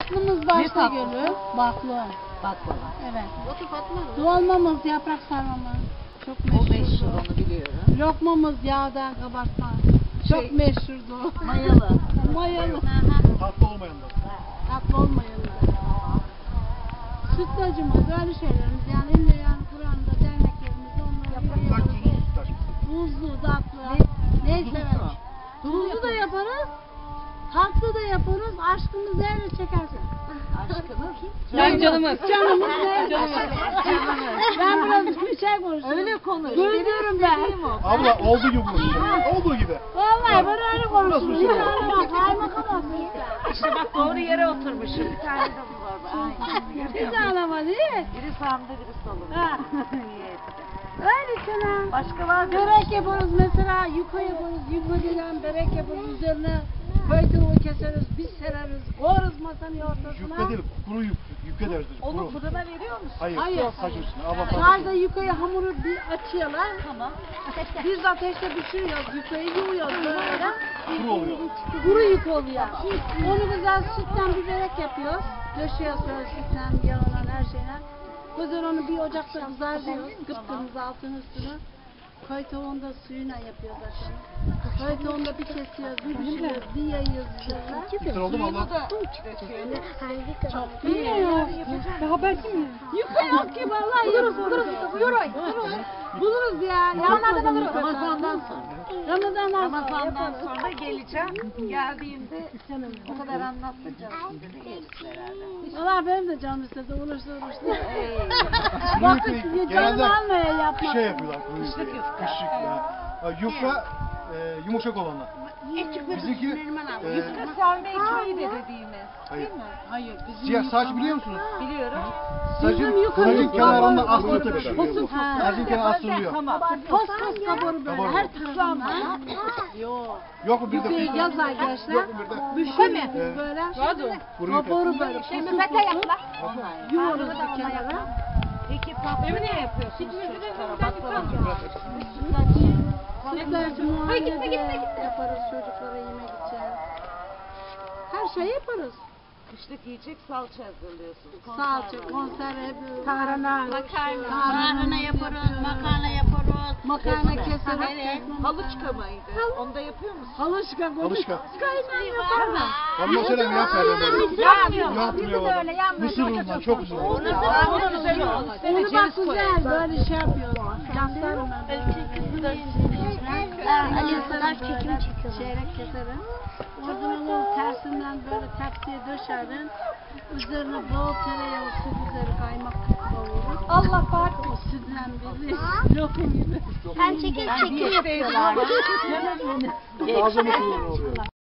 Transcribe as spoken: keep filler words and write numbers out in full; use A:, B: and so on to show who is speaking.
A: Tatlımız başta gelir. Baklı.
B: Baklava.
A: Evet.
C: Otur Fatma.
A: Dolmamız, yaprak sarmamız. Çok
B: O meşhur,
A: meşhurdur.
B: onu biliyorum.
A: Lokmamız yağda kabartma. Çok
B: Şey-
A: meşhurdur.
B: Mayalı.
A: Mayalı.
D: Tatlı olmayanlar.
A: Tatlı olmayanlar. Sütlacımız, böyle şeylerimiz yani illa yani Kur'an'da derneklerimizde onları
D: Sütlaç
A: yapıyoruz.
D: tuzlu sütlaç.
A: Buzlu, tatlı. Neyse evet. Tuzlu da yaparız. Tatlı da yaparız. Aşkımız nerede çekersin?
B: Aşkınız.
A: Ben canımız. Canımız nerede? Ben biraz bir şey konuşuyorum.
B: Öyle konuş.
A: Duyuyorum ben.
D: Abla olduğu gibi konuşuyor. Olduğu gibi.
A: Vallahi ben öyle
D: Nasıl bir şey
A: konuşuyorum.
D: var?
A: Kaymakam olsun.
B: İşte bak doğru yere oturmuşum. Bir tane de bu var. Aynen.
A: Bir tane ama değil mi?
B: Biri sağımda biri solumda.
A: Ha. Öyle sana.
B: Başka var mı?
A: Börek yaparız mesela, yuka yaparız, yuka dilen börek yaparız, üzerine koyduğunu keseriz, biz sereriz, koyarız masanın ortasına.
D: Yufka değil, kuru yuf, yufka deriz biz,
B: Onu
D: kuru.
B: fırına veriyor musun?
D: Hayır,
A: Hayır.
D: saç üstüne. Abla
A: Sadece
D: saç
A: yukayı hamuru bir açıyorlar,
B: Tamam.
A: biz ateşte pişiriyoruz, yukayı yuvuyoruz böyle.
D: kuru oluyor.
A: Kuru yük oluyor. Onu güzel sütten bir börek yapıyoruz, döşüyoruz böyle sütten, yağla her şeyle. Güzel onu bir ocakta kızartıyoruz, kıpkırmızı altın üstüne. Koy tavuğunda suyuna yapıyoruz akşam. Koy tavuğunda bir kesiyoruz, bir pişiriyoruz, bir yayıyoruz üzerine.
D: Güzel oldu mu abla?
A: Çok bilmiyorum. Haber kim? Yuka yok ki vallahi buluruz buluruz buluruz. Buluruz ya. Ramazan'dan buluruz.
B: Ramazan'dan sonra.
A: Ramazan'dan sonra.
B: Ramazan'dan sonra geleceğim. Geldiğimde o kadar anlatmayacağım. Size geliriz beraber.
A: Valla benim de canım istedi uğraştı uğraştı.
B: Ey.
A: Vakit
D: Yufkayı
A: canım
D: genelde
A: almaya yapmak.
D: şey yapıyorlar, kuru yufka.
B: Kışlık yufka.
D: Kışlık ya. Ha, Yufka e, yumuşak olanlar. Bizimki e,
B: Yufka serme ekmeği de dediğimiz.
D: hayır.
B: Değil mi?
A: Hayır bizim
D: Siyah saç biliyor musunuz?
B: Biliyorum.
D: Sacın,
A: yukarı
D: sacın
A: yukarı
D: kenarında
A: yukarı
D: aslı
A: yukarı
D: pişiriyor bu.
A: Ha.
D: Sacın kenarı asılıyor.
B: Tamam.
A: Pos pos kabarı böyle
D: Kabarı.
A: her tarafından. Yok.
D: Yok mu bir de
A: Bir
D: pişmiş?
A: yazar gençler.
D: Yok mu bir de?
A: Büşür
D: Evet.
A: böyle.
D: Kuru yufka.
A: Kabarı böyle.
C: Şey
A: Şey
C: müzete yaptılar.
A: Yuvarız bir kenara.
B: Peki tatlı ne yapıyorsunuz çocuklara? Baklava mı?
A: Sütlaç muhallebi yaparız çocuklara yemek için. Her şeyi yaparız.
B: Kışlık yiyecek salça hazırlıyorsunuz.
A: Salça, konserve, tarhana,
C: Makarna.
A: tarhana
C: yaparız, makarna yaparız.
A: makarna keseriz.
C: Evet.
B: Halıçka mıydı? Onu da yapıyor musun?
A: Halışka,
D: Halışka.
A: Kaynağı yaparız.
D: Ben mesela yapmıyorum böyle.
A: Yapmıyor.
D: Yapmıyor valla. Mısır unundan çok güzel olur.
B: Onu da güzel oldu.
A: Onu bak güzel böyle şey yapıyoruz. Yaslarım ben.
C: Ali Sadar çekim çekiyor.
A: Çeyrek keserim. Oradan onu tersinden böyle tepsiye döşerim. Üzerine bol tereyağı, süt üzeri kaymak kavurur. Allah farklı. O sütle bizi lokum gibi.
C: Sen çekim çekim yapıyorlar.
D: Ağzı mısır unu oluyor.